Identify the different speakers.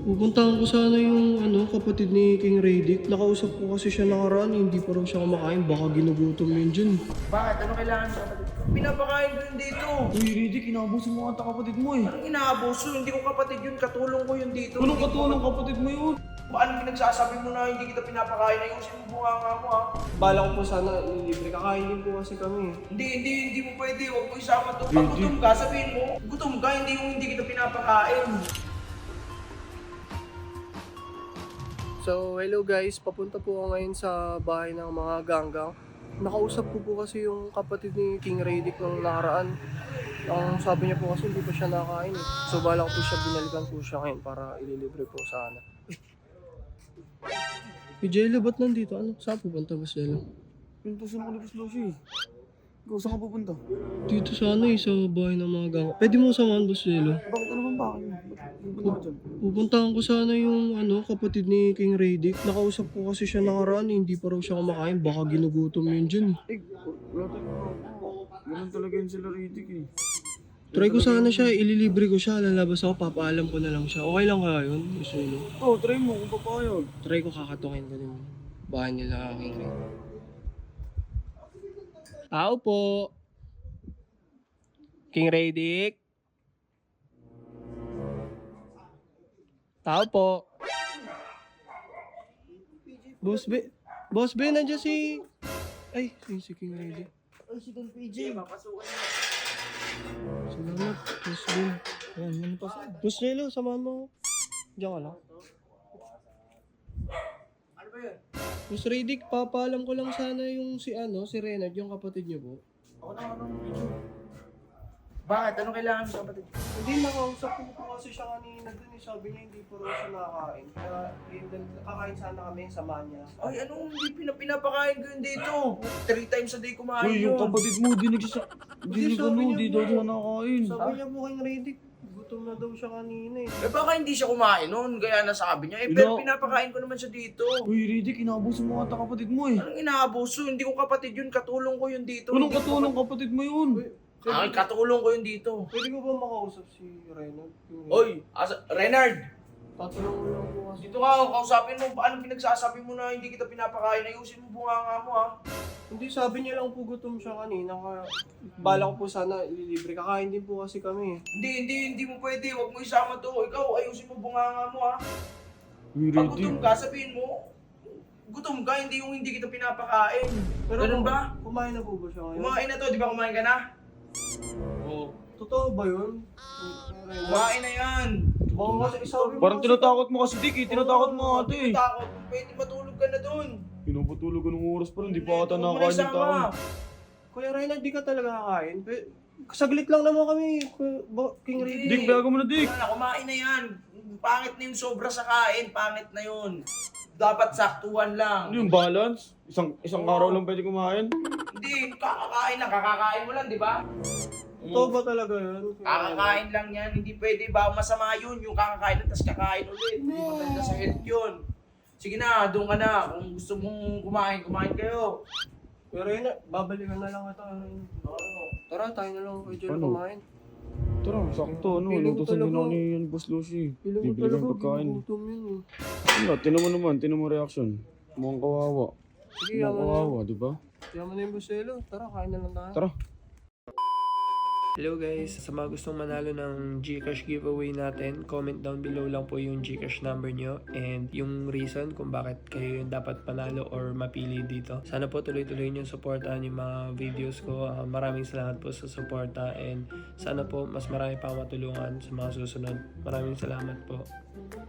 Speaker 1: Pupuntahan ko sana yung kapatid ni King Radic. Nakausap ko kasi siya nakaraan, hindi pa raw siya kumakain. Baka ginugutom yun dyan.
Speaker 2: Bakit? Ano kailangan sa kapatid ko? Pinapakain ko yun dito.
Speaker 3: Uy, Riddick, inaabuso mo ata kapatid mo eh.
Speaker 2: Anong inaabuso? Hindi ko kapatid yun. Katulong ko yun dito.
Speaker 3: Anong katulong kapatid mo yun?
Speaker 2: Anong pinagsasabi mo na hindi kita pinapakain? Ayusin mo bunganga mo ha.
Speaker 1: Bala ko po sana libre. Kakain din po kasi kami.
Speaker 2: Hindi mo pwede. Huwag mo isama to. Pag gutom ka, sabihin mo, gutom ka, hindi kita pinapakain.
Speaker 1: So, hello guys. Papunta po ako ngayon sa bahay ng mga ganggang. Nakausap ko po kasi yung kapatid ni King Radic nung nakaraan. Ang sabi niya po kasi hindi pa siya nakain eh. So, bala ko po siya, binalikan po siya ngayon para ililibre po sana. Jello, ba't nandito? Saan pupunta ba Jello?
Speaker 3: Pinto sa mga Boss Lucy. Ikaw, saan ka pupunta?
Speaker 1: Dito sana sa bahay ng mga ganggang. Pwede mo samahan ba Jello?
Speaker 3: Bakit ano bang bakit? Pupunta ka dyan?
Speaker 1: Pupuntahan ko sana yung kapatid ni King Radic. Nakausap ko kasi siya nakaraan, hindi pa raw siya kumakain. Baka ginugutom yun dyan eh.
Speaker 3: Wala tayong ganun talaga yun sila Riddick eh.
Speaker 1: Try ko sana siya, ililibre ko siya, lalabas ako, papaalam ko na lang siya. Okay lang kaya yun? Isulo.
Speaker 3: Oo, try mo kung papayag.
Speaker 1: Try ko kakatukin ko din. Bahay nila King Radic. Tao po! King Radic? Tao po! Boss B, nandiyan si... Ay, si King Radic.
Speaker 2: Ay, si Don PJ. Mapasukan niya.
Speaker 1: Salamat, Boss B. Ayan, ano pa sa... Boss Jello, samahan mo ako. Diyan ka lang.
Speaker 2: Ano ba yun?
Speaker 1: Boss Radic, papaalam ko lang sana yung si Renard, yung kapatid niyo po.
Speaker 2: Ako na ano PJ. Bakit? Ano kailangan sa kapatid ko?
Speaker 1: Hindi, nakausap ko po kasi siya kanina dun. Sabi niya hindi po raw siya nakakain. Kaya kakain sana kami, samahan niya.
Speaker 2: Ay, anong hindi pinapakain ko yun dito? 3 times a day kumain
Speaker 3: Uy,
Speaker 2: yun.
Speaker 3: yung kapatid mo, di daw siya nakakain.
Speaker 1: Sabi niya po kay Radic, gutom na daw siya kanina eh.
Speaker 2: Eh baka hindi siya kumain nun, kaya nasabi niya. Eh pero pinapakain ko naman siya dito.
Speaker 3: Uy, Riddick, inaabuso mo ata kapatid mo eh.
Speaker 2: Anong inaabuso? Hindi ko kapatid yun, katulong ko yun dito.
Speaker 3: Anong
Speaker 2: Hindi ko
Speaker 3: katulong kapatid mo yun?
Speaker 2: Ay, katulong ko yun dito.
Speaker 1: Pwede ko ba makausap si Renard?
Speaker 2: Oy, Renard!
Speaker 1: Tatulong ko lang po kasi.
Speaker 2: Dito ka, kausapin mo, anong pinagsasabi mo na hindi kita pinapakain? Ayusin mo bunganga mo ha.
Speaker 1: Hindi, sabi niya lang po gutom siya kanina. Kaya bala ko po sana ililibre. Kakain din po kasi kami eh.
Speaker 2: Hindi mo pwede, huwag mo isama to. Ikaw, ayusin mo bunganga mo ha.
Speaker 3: Uy,
Speaker 2: Pag
Speaker 3: Riddick.
Speaker 2: gutom ka, sabihin mo, gutom ka, hindi kita pinapakain. Ganun ba?
Speaker 1: Kumain na po ba siya ngayon?
Speaker 2: Kumain na to, di ba kumain ka na?
Speaker 1: Oo. Totoo ba yun?
Speaker 2: Kumain na yan.
Speaker 1: Baka kasi isabi mo
Speaker 3: Parang
Speaker 1: kasi-
Speaker 3: tinatakot mo kasi Dick eh. Tinatakot mo ate eh.
Speaker 2: Takot, pwede matulog ka na dun.
Speaker 3: Pinapatulog ka ng oras pa rin. Di pa ata
Speaker 2: Huwag mo
Speaker 3: nakakain yung
Speaker 2: isama.
Speaker 3: tao.
Speaker 1: Kuya Renard, di ka talaga kakain? Saglit lang naman kami, King Radic.
Speaker 2: Hindi.
Speaker 3: Dick, bago mo na Dick.
Speaker 2: Wala na, kumain na yan. Pangit na yung sobra sa kain, pangit na yun. Dapat saktuhan lang.
Speaker 3: Ano yung balance? Isang araw lang pwede kumain?
Speaker 2: Hindi, kakakain mo lang, di ba?
Speaker 1: Totoo ba talaga yun?
Speaker 2: Kakakain lang yan, hindi pwede ba masama yun, yung kakakain lang, tapos kakain ulit. Hindi maganda sa health yun. Sige na, doon ka na. Kung gusto mong kumain kayo.
Speaker 1: Kuya Renard, babalikan na lang ito. Tara, tayo na lang kay Joel
Speaker 3: Ano?
Speaker 1: kumain.
Speaker 3: Tara, sakto. Ano,
Speaker 1: Feeling ko
Speaker 3: lutusan din
Speaker 1: talaga-
Speaker 3: ako ni Boss Lucy.
Speaker 1: Pilang ko
Speaker 3: Bibili
Speaker 1: talaga,
Speaker 3: kang pagkain.
Speaker 1: ginugutom yun eh.
Speaker 3: Ano, tinan mo reaction. Mukhang kawawa.
Speaker 1: Sige,
Speaker 3: Mukhang
Speaker 1: yaman na
Speaker 3: kawawa, di ba?
Speaker 1: Yaman na yung Buselo. Tara, kain na lang tayo.
Speaker 3: Tara.
Speaker 1: Hello guys, sa mga gustong manalo ng Gcash giveaway natin, comment down below lang po yung Gcash number nyo and yung reason kung bakit kayo yung dapat panalo or mapili dito. Sana po tuloy-tuloy nyo supportan yung mga videos ko. Maraming salamat po sa suporta and sana po mas marami pa matulungan sa mga susunod. Maraming salamat po.